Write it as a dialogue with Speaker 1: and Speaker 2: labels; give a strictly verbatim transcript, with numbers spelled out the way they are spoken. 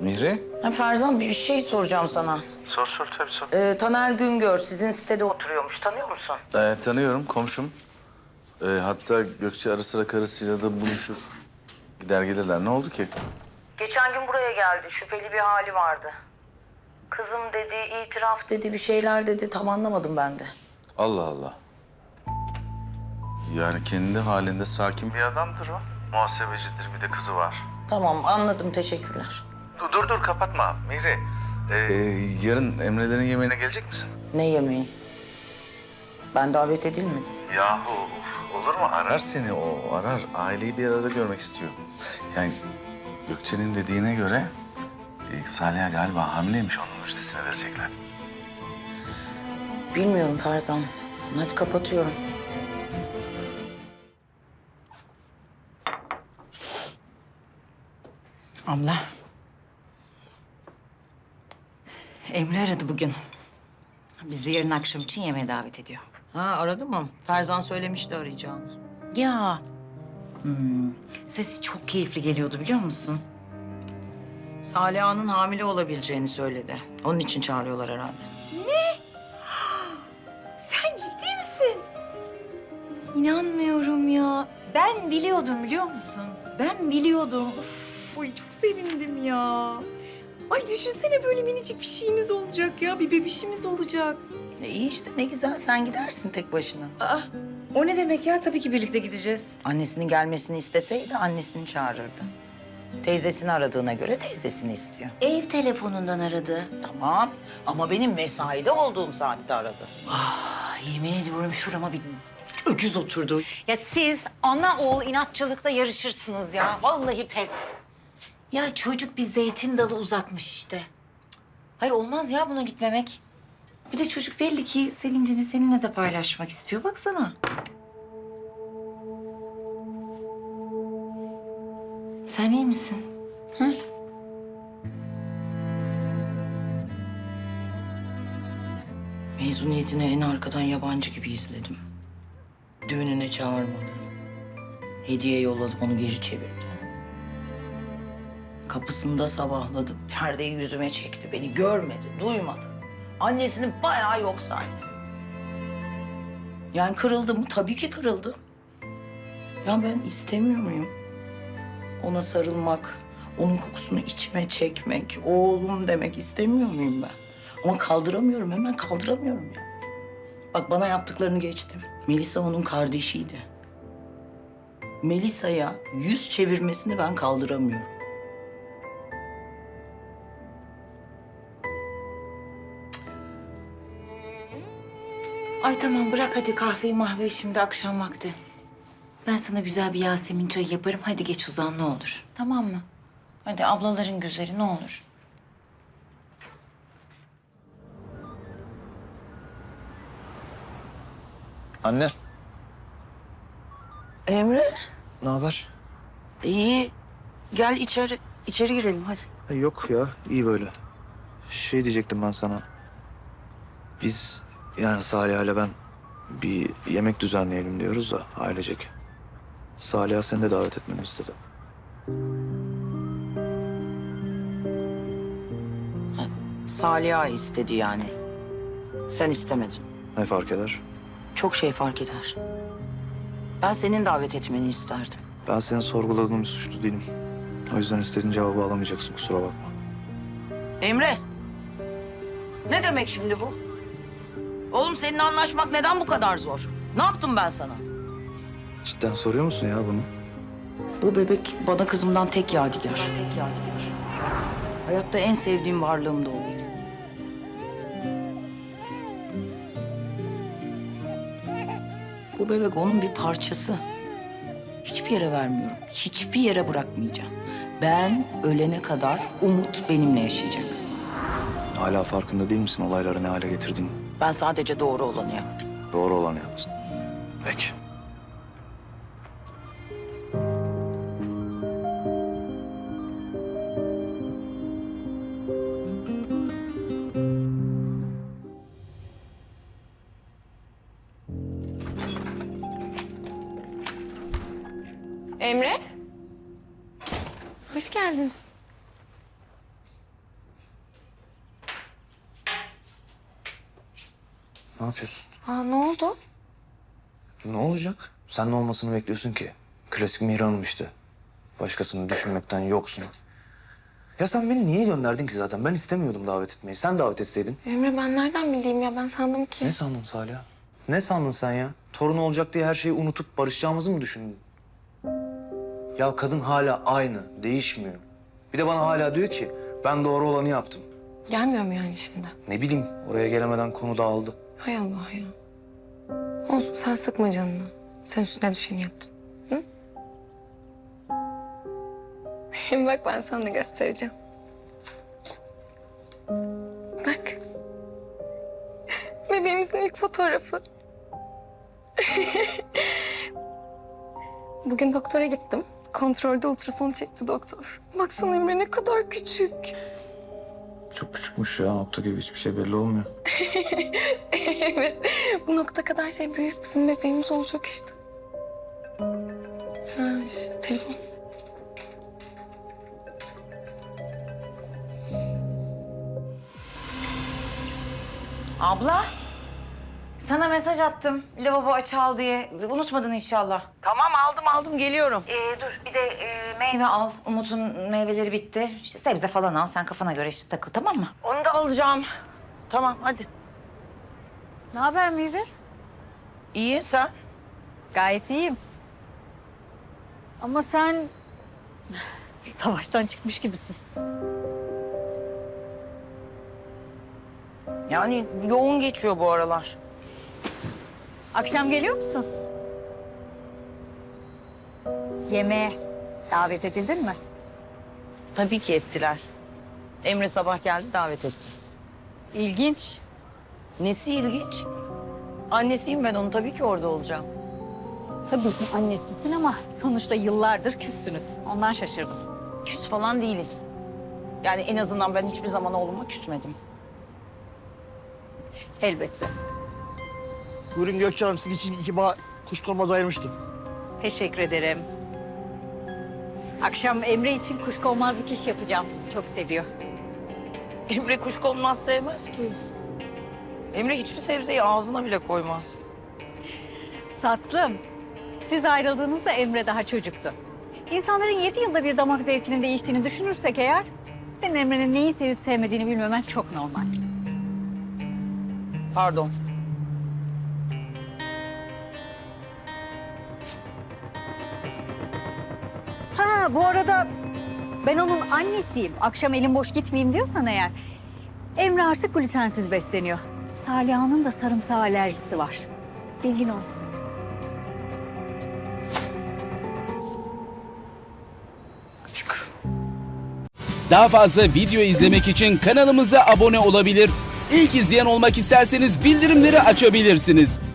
Speaker 1: Mihri?
Speaker 2: Ha Ferzan, bir şey soracağım sana.
Speaker 1: Sor sor tabii sor.
Speaker 2: Ee, Taner Güngör sizin sitede oturuyormuş. Tanıyor musun?
Speaker 1: Ee, tanıyorum komşum. Ee, hatta Gökçe ara sıra karısıyla da buluşur. Gider gelirler. Ne oldu ki?
Speaker 2: Geçen gün buraya geldi. Şüpheli bir hali vardı. Kızım dedi, itiraf dedi, bir şeyler dedi. Tam anlamadım ben de.
Speaker 1: Allah Allah. Yani kendi halinde sakin bir adamdır o. Muhasebecidir, bir de kızı var.
Speaker 2: Tamam, anladım. Teşekkürler.
Speaker 1: Dur dur, dur kapatma Mihri. Ee, yarın Emre'lerin yemeğine gelecek misin?
Speaker 2: Ne yemeği? Ben davet edilmedim.
Speaker 1: Yahu of, olur mu? Arar seni o, arar. Aileyi bir arada görmek istiyor. Yani Gökçe'nin dediğine göre e, Saliha galiba hamileymiş. Onun müjdesini verecekler.
Speaker 2: Bilmiyorum Ferzan. Hadi kapatıyorum.
Speaker 3: Abla. Emre aradı bugün. Bizi yarın akşam için yemeğe davet ediyor.
Speaker 2: Ha, aradı mı? Ferzan söylemişti arayacağını.
Speaker 3: Ya. Hmm. Sesi çok keyifli geliyordu biliyor musun?
Speaker 2: Saliha'nın hamile olabileceğini söyledi. Onun için çağırıyorlar herhalde.
Speaker 3: Sen ciddi misin? İnanmıyorum ya. Ben biliyordum biliyor musun? Ben biliyordum. Of, ay çok sevindim ya. Ay düşünsene böyle minicik bir şeyimiz olacak ya. Bir bebişimiz olacak.
Speaker 2: E, iyi işte, ne güzel. Sen gidersin tek başına.
Speaker 3: Aa, o ne demek ya? Tabii ki birlikte gideceğiz.
Speaker 2: Annesinin gelmesini isteseydi annesini çağırırdı. Teyzesini aradığına göre teyzesini istiyor.
Speaker 3: Ev telefonundan aradı.
Speaker 2: Tamam ama benim mesaide olduğum saatte aradı.
Speaker 3: Ah, yemin ediyorum şurama bir öküz oturdu. Ya siz ana oğul inatçılıkta yarışırsınız ya. Vallahi pes. Ya çocuk bir zeytin dalı uzatmış işte. Hayır olmaz ya buna gitmemek. Bir de çocuk belli ki sevincini seninle de paylaşmak istiyor. Baksana. Sen iyi misin? Hı?
Speaker 2: Mezuniyetini en arkadan yabancı gibi izledim. Düğününe çağırmadı. Hediye yolladım, onu geri çevirdi. Kapısında sabahladım. Perdeyi yüzüme çekti. Beni görmedi, duymadı. Annesini bayağı yok saydı. Yani kırıldım mı? Tabii ki kırıldım. Ya ben istemiyor muyum? Ona sarılmak, onun kokusunu içime çekmek, oğlum demek istemiyor muyum ben? Ama kaldıramıyorum, hemen kaldıramıyorum ya. Bak bana yaptıklarını geçtim. Melisa onun kardeşiydi. Melisa'ya yüz çevirmesini ben kaldıramıyorum.
Speaker 3: Ay tamam bırak hadi kahveyi mahveyi şimdi akşam vakti. Ben sana güzel bir Yasemin çayı yaparım. Hadi geç uzan ne olur. Tamam mı? Hadi ablaların güzeli ne olur.
Speaker 4: Anne,
Speaker 2: Emre,
Speaker 4: ne haber?
Speaker 2: iyi. Gel içeri, içeri girelim hadi.
Speaker 4: Ha, yok ya, iyi böyle. Şey diyecektim ben sana. Biz yani Salih'le ile ben bir yemek düzenleyelim diyoruz da ailecek. Salih'a seni de davet etmemi istedi.
Speaker 2: Saliha istedi yani. Sen istemedin.
Speaker 4: Ne fark eder?
Speaker 2: Çok şey fark eder. Ben senin davet etmeni isterdim.
Speaker 4: Ben senin sorguladığın bir suçlu değilim. O yüzden istediğin cevabı alamayacaksın, kusura bakma.
Speaker 2: Emre, ne demek şimdi bu? Oğlum seninle anlaşmak neden bu kadar zor? Ne yaptım ben sana?
Speaker 4: Cidden soruyor musun ya bunu?
Speaker 2: Bu bebek bana kızımdan tek yadigar. Hayatta en sevdiğim varlığım da o benim. Bu bebek onun bir parçası. Hiçbir yere vermiyorum. Hiçbir yere bırakmayacağım. Ben ölene kadar Umut benimle yaşayacak.
Speaker 4: Hala farkında değil misin olayları ne hale getirdiğini?
Speaker 2: Ben sadece doğru olanı yaptım.
Speaker 4: Doğru olanı yaptın. Peki.
Speaker 5: Emre? Hoş geldin.
Speaker 4: Ne yapıyorsun?
Speaker 5: Aa, ne oldu?
Speaker 4: Ne olacak? Sen ne olmasını bekliyorsun ki? Klasik Mihran'ım işte. Başkasını düşünmekten yoksun. Ya sen beni niye gönderdin ki zaten? Ben istemiyordum davet etmeyi. Sen davet etseydin.
Speaker 5: Emre ben nereden bileyim ya? Ben sandım ki.
Speaker 4: Ne sandın Salih? Ne sandın sen ya? Torun olacak diye her şeyi unutup barışacağımızı mı düşündün? Ya kadın hala aynı, değişmiyor. Bir de bana hala diyor ki ben doğru olanı yaptım.
Speaker 5: Gelmiyor mu yani şimdi?
Speaker 4: Ne bileyim, oraya gelemeden konu dağıldı.
Speaker 5: Hay Allah ya. Olsun, sen sıkma canını. Sen üstüne düşeni yaptın. Hı? Bak ben sana da göstereceğim. Bak. Bebeğimizin ilk fotoğrafı. Bugün doktora gittim. Kontrolde ultrason çekti doktor. Baksana Emre ne kadar küçük.
Speaker 4: Çok küçükmüş ya, nokta gibi hiçbir şey belli olmuyor.
Speaker 5: Evet. Bu nokta kadar şey büyük bizim bebeğimiz olacak işte. Ha, işte, telefon.
Speaker 3: Abla, sana mesaj attım. Lavabo aç al diye. Unutmadın inşallah.
Speaker 2: Tamam aldım aldım geliyorum.
Speaker 3: Ee, dur bir de e, meyve al. Umut'un meyveleri bitti. İşte sebze falan al. Sen kafana göre işte takıl, tamam mı?
Speaker 2: Onu da alacağım. Tamam hadi.
Speaker 6: Ne haber Mihver?
Speaker 2: İyi sen?
Speaker 6: Gayet iyiyim. Ama sen savaştan çıkmış gibisin.
Speaker 2: Yani yoğun geçiyor bu aralar.
Speaker 6: Akşam geliyor musun? Yemeğe davet edildin mi?
Speaker 2: Tabii ki ettiler. Emre sabah geldi davet etti.
Speaker 6: İlginç.
Speaker 2: Nesi ilginç? Annesiyim ben onun tabii ki orada olacağım.
Speaker 6: Tabii ki annesisin ama sonuçta yıllardır küssünüz. Ondan şaşırdım.
Speaker 2: Küs falan değiliz. Yani en azından ben hiçbir zaman oğluma küsmedim.
Speaker 6: Elbette.
Speaker 7: Buyurun Gökçe Hanım, sizin için iki bağ kuşkonmaz ayırmıştım.
Speaker 6: Teşekkür ederim. Akşam Emre için kuşkonmazlık iş yapacağım. Çok seviyor.
Speaker 2: Emre kuşkonmaz sevmez ki. Emre hiçbir sebzeyi ağzına bile koymaz.
Speaker 6: Tatlım. Siz ayrıldığınızda Emre daha çocuktu. İnsanların yedi yılda bir damak zevkinin değiştiğini düşünürsek eğer... senin Emre'nin neyi sevip sevmediğini bilmemen çok normal.
Speaker 2: Pardon.
Speaker 6: Ha bu arada ben onun annesiyim. Akşam elim boş gitmeyeyim diyorsan eğer... Emre artık glutensiz besleniyor. Saliha'nın da sarımsağı alerjisi var. Bilgin olsun.
Speaker 8: Daha fazla video izlemek için kanalımıza abone olabilir. İlk izleyen olmak isterseniz bildirimleri açabilirsiniz.